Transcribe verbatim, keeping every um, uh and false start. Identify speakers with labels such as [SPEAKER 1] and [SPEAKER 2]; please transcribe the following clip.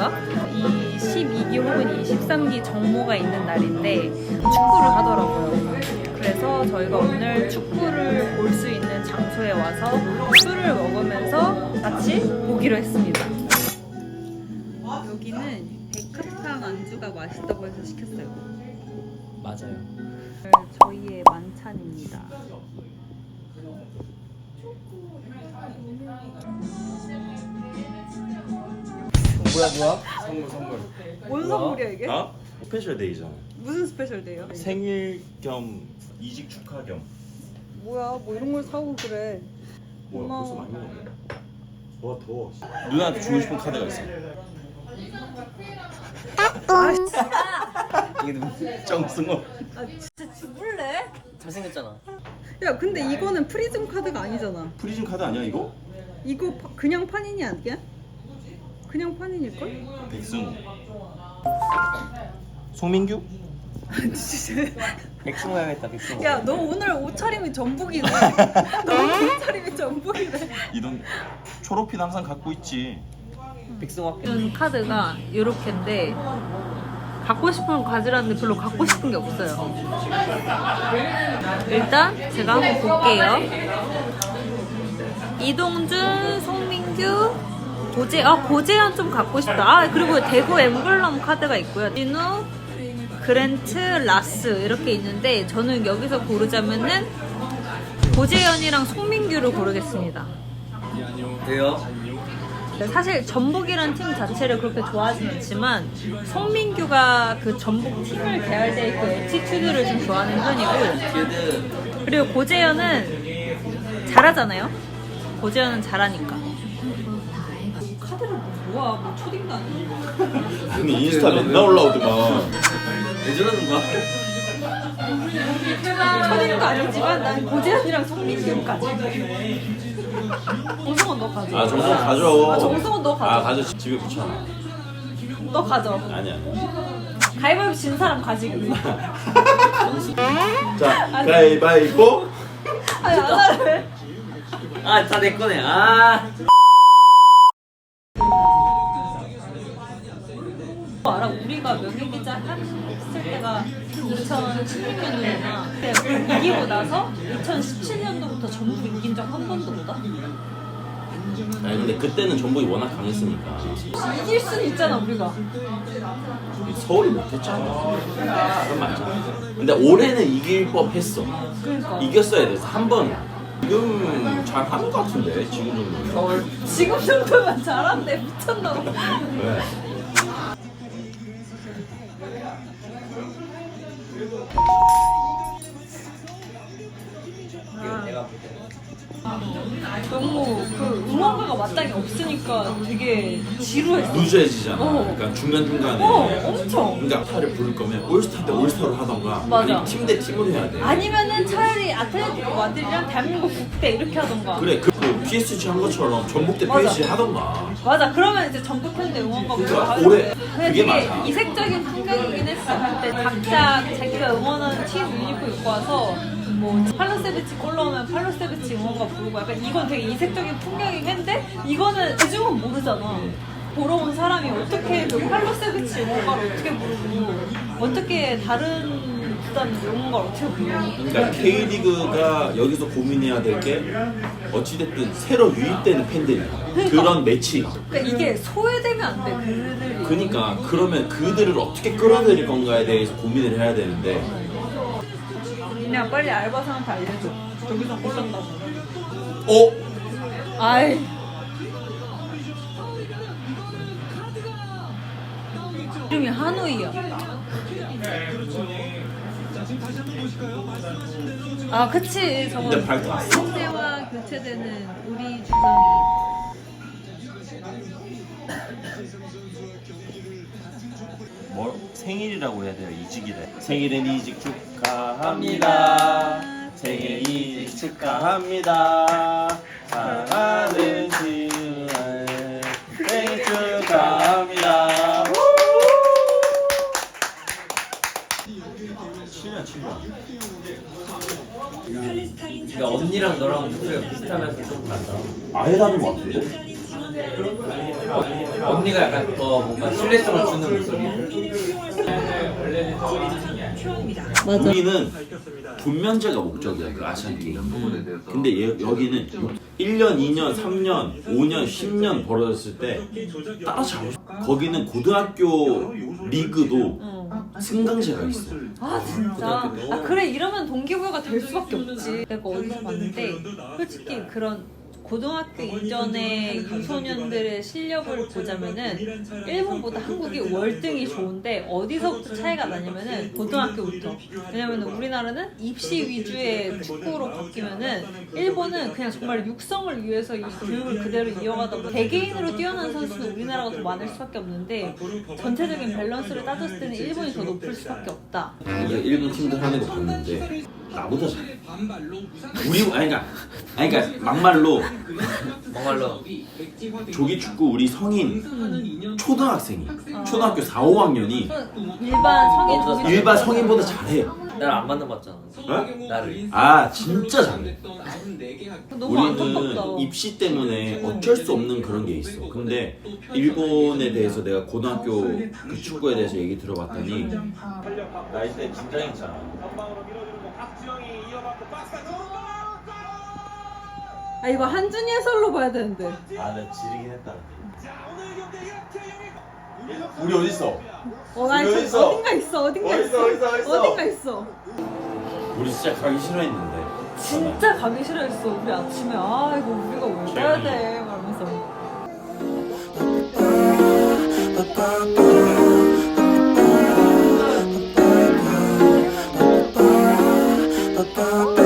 [SPEAKER 1] 저희가 이 십이 기 혹은 이 십삼 기 정모가 있는 날인데 축구를 하더라고요. 그래서 저희가 오늘 축구를 볼 수 있는 장소에 와서 술을 먹으면서 같이 보기로 했습니다. 여기는 백합탕 안주가 맛있다고 해서 시켰어요.
[SPEAKER 2] 맞아요.
[SPEAKER 1] 저희의 만찬입니다.
[SPEAKER 2] 뭐야 뭐야?
[SPEAKER 3] 선물 선물.
[SPEAKER 1] 뭔 선물이야 이게?
[SPEAKER 3] 아? 스페셜 데이잖아.
[SPEAKER 1] 무슨 스페셜 데이요?
[SPEAKER 3] 생일 겸 이직 축하 겸.
[SPEAKER 1] 뭐야 뭐 이런 걸 사고 그래.
[SPEAKER 3] 뭐야
[SPEAKER 1] 고마워.
[SPEAKER 3] 벌써 많이 먹었네. 와 더워. 누나한테 주고 싶은 카드가 있어.
[SPEAKER 2] 이게 누구?
[SPEAKER 3] 정승호.
[SPEAKER 1] 아 진짜 죽을래?
[SPEAKER 2] 잘생겼잖아.
[SPEAKER 1] 야 근데 이거는 프리즘 카드가 아니잖아.
[SPEAKER 3] 프리즘 카드 아니야 이거?
[SPEAKER 1] 이거 파- 그냥 판인이 아니야? 그냥 판인일걸?
[SPEAKER 3] 백승우. 송민규?
[SPEAKER 2] 백승호 해야겠다 백승호.
[SPEAKER 1] 야 너 오늘 옷차림이 전북이네. 너 옷차림이 전북이네.
[SPEAKER 3] 이런 초록핀 항상 갖고 있지.
[SPEAKER 2] 백승호 할게.
[SPEAKER 1] 이 카드가 이렇게인데 갖고 싶은 건 가지라는데 별로 갖고 싶은 게 없어요. 일단 제가 한번 볼게요. 이동준, 송민규, 고재, 아 고재현 좀 갖고 싶다. 아 그리고 대구 엠블럼 카드가 있고요. 진우, 그랜트, 라스 이렇게 있는데 저는 여기서 고르자면은 고재현이랑 송민규를 고르겠습니다.
[SPEAKER 2] 왜요?
[SPEAKER 1] 사실 전북이란 팀 자체를 그렇게 좋아하진 않지만 송민규가 그 전북 팀을 대할 때 그 애티튜드를 좀 좋아하는 편이고,
[SPEAKER 2] 듀드.
[SPEAKER 1] 그리고 고재현은 잘하잖아요. 고재현은 잘하니까. 카드를 뭐야? 뭐 초딩도 아니고.
[SPEAKER 3] 아니 인스타 맨날 올라오더만.
[SPEAKER 2] 왜 저러는 거야?
[SPEAKER 1] 초딩도 아니지만 난 고재현이랑 송민규까지. 정승원 너 가져.
[SPEAKER 3] 아 정승 가져.
[SPEAKER 1] 아, 정승원 너 가져.
[SPEAKER 3] 아 가져. 집에 붙여놔.
[SPEAKER 1] 너 가져.
[SPEAKER 3] 아니야.
[SPEAKER 1] 가위바위보 진 사람 가지기.
[SPEAKER 3] 자 가위바위보.
[SPEAKER 1] 아니 안 할래.
[SPEAKER 2] 아 다 내 거네. 아.
[SPEAKER 1] 알아? 우리가 명예기자 했을 때가 이천십육 년도구나. 그때 이기고 나서 이천십칠 년도부터 전북 이긴 적 한 번도 없다?
[SPEAKER 3] 아니 근데 그때는 전북이 워낙 강했으니까
[SPEAKER 1] 이길 수는 있잖아 우리가.
[SPEAKER 3] 서울이 못했잖아. 그건 맞잖아. 근데 올해는 이길 법했어.
[SPEAKER 1] 그러니까
[SPEAKER 3] 이겼어야 돼서 한 번. 지금 잘 하는 것 같은데 지금 정도면.
[SPEAKER 2] 서울.
[SPEAKER 1] 지금 정도면 잘한대. 미쳤나 봐.
[SPEAKER 3] 왜?
[SPEAKER 2] 내가 볼 때.
[SPEAKER 1] 너무 그 응원가가 마땅히 없으니까 되게 지루했어.
[SPEAKER 3] 루즈해지잖아.
[SPEAKER 1] 어.
[SPEAKER 3] 그러니까 중간 중간에.
[SPEAKER 1] 어, 엄청.
[SPEAKER 3] 그러니까 스타를 부를 거면 올스타 때 올스타로 하던가.
[SPEAKER 1] 맞아.
[SPEAKER 3] 팀 대 팀으로 해야 돼.
[SPEAKER 1] 아니면은 차라리 아틀레티코 마드리드랑 대한민국 국대 이렇게 하던가.
[SPEAKER 3] 그래 그, 그 피에스지 한 것처럼 전북 대
[SPEAKER 1] 맞아.
[SPEAKER 3] 피에스지 하던가.
[SPEAKER 1] 맞아. 그러면 이제 전북 팬들 응원가
[SPEAKER 3] 그러니까
[SPEAKER 1] 보고
[SPEAKER 3] 올해
[SPEAKER 1] 근데
[SPEAKER 3] 그게
[SPEAKER 1] 되게
[SPEAKER 3] 맞아.
[SPEAKER 1] 이색적인 풍경이긴 했어. 그때 각자 자기가 응원하는 팀 유니폼 입고 와서 뭐 팔로세비치 골 넣으면 팔로세비치 응원가 부르고 약간 이건 되게 이색적인 풍경이긴 한데 이거는 대중은 모르잖아. 보러 온 사람이 어떻게 그 팔로세비치 응원가를 어떻게 부르고 어떻게 다른 구단 응원가를 어떻게 부르고.
[SPEAKER 3] 그러니까 K리그가 여기서 고민해야 될 게 어찌됐든 새로 유입되는 팬들이야. 그런 매치가.
[SPEAKER 1] 그러니까 이게 소외되면 안 돼. 그들이.
[SPEAKER 3] 그러니까 그러면 그들을 어떻게 끌어들일 건가에 대해서 고민을 해야 되는데.
[SPEAKER 1] 그냥 빨리 알바생한테 알려줘. 저기서 골 넣는다고.
[SPEAKER 3] 어?
[SPEAKER 1] 아이. 이름이 한우이야. 아, 그치. 저거
[SPEAKER 3] 근데 밝혀놨어.
[SPEAKER 1] 현대와 교체되는 우리 주성이.
[SPEAKER 3] 뭐 생일이라고 해야 돼요? 이직이래. 생일은 이직 축하합니다. 생일 이직 축하합니다. 사랑하는 지은아 생일 축하합니다. 칠 년 칠 년.
[SPEAKER 2] 그러니까 언니랑 너랑 목소리가 비슷하면서 좀 달라.
[SPEAKER 3] 아예 다른 것 같은데?
[SPEAKER 2] 언니가 약간 더 뭔가 신뢰성을 주는 목소리.
[SPEAKER 1] 맞아.
[SPEAKER 3] 우리는 분면제가 목적이야 그 아시안 게임. 근데 얘, 여기는 일 년, 이 년, 삼 년, 오 년, 십 년 벌어졌을 때 따라잡고 싶어. 거기는 고등학교 리그도
[SPEAKER 1] 응.
[SPEAKER 3] 승강제가 있어.
[SPEAKER 1] 아 진짜? 아 그래 이러면 동기부여가 될 수밖에 없지. 내가 어디서 봤는데 솔직히 그런 고등학교 이전의 유소년들의 실력을 보자면은 일본보다 한국이 월등히 좋은데 어디서부터 차이가 나냐면은 고등학교부터. 왜냐면은 우리나라는 입시 위주의 축구로 바뀌면은 일본은 그냥 정말 육성을 위해서 이 교육을 그대로 이어가다 보니 개개인으로 뛰어난 선수는 우리나라가 더 많을 수밖에 없는데 전체적인 밸런스를 따졌을 때는 일본이 더 높을 수밖에 없다.
[SPEAKER 3] 내가 일본 팀들 하는 거 봤는데 나보다 잘해. 우리 아니 그러니까 아니 그러니까 막말로
[SPEAKER 2] 정말로
[SPEAKER 3] 조기 축구 우리 성인 초등학생이 초등학교 사, 오 학년이
[SPEAKER 1] 일반 성인
[SPEAKER 2] 없어서
[SPEAKER 1] 조기
[SPEAKER 3] 일반 성인보다 잘해.
[SPEAKER 2] 나를 안 만나봤잖아.
[SPEAKER 3] 어?
[SPEAKER 2] 나를.
[SPEAKER 3] 아 진짜 잘해.
[SPEAKER 1] 너무 안타깝다.
[SPEAKER 3] 우리는 입시 때문에 어쩔 수 없는 그런 게 있어. 근데 일본에 대해서 내가 고등학교 그 축구에 대해서 얘기 들어봤더니 나이대 진짜 괜찮아.
[SPEAKER 1] 아 이거 한준이 해설로 봐야 되는데.
[SPEAKER 3] 아, 나 지르긴 했다. 우리 어디 있어?
[SPEAKER 1] 어, 나
[SPEAKER 3] 여기
[SPEAKER 1] 저,
[SPEAKER 3] 있어.
[SPEAKER 1] 어딘가 있어, 어딘가
[SPEAKER 3] 어디
[SPEAKER 1] 있어,
[SPEAKER 3] 있어, 어디 있어, 어디 있어?
[SPEAKER 1] 어딘가 있어.
[SPEAKER 3] 우리 진짜 가기 싫어했는데.
[SPEAKER 1] 진짜 가기 싫어했어. 우리 아침에 아 이거 우리가 왜 가야 돼? 말하면서.
[SPEAKER 4] Ba-ba-ba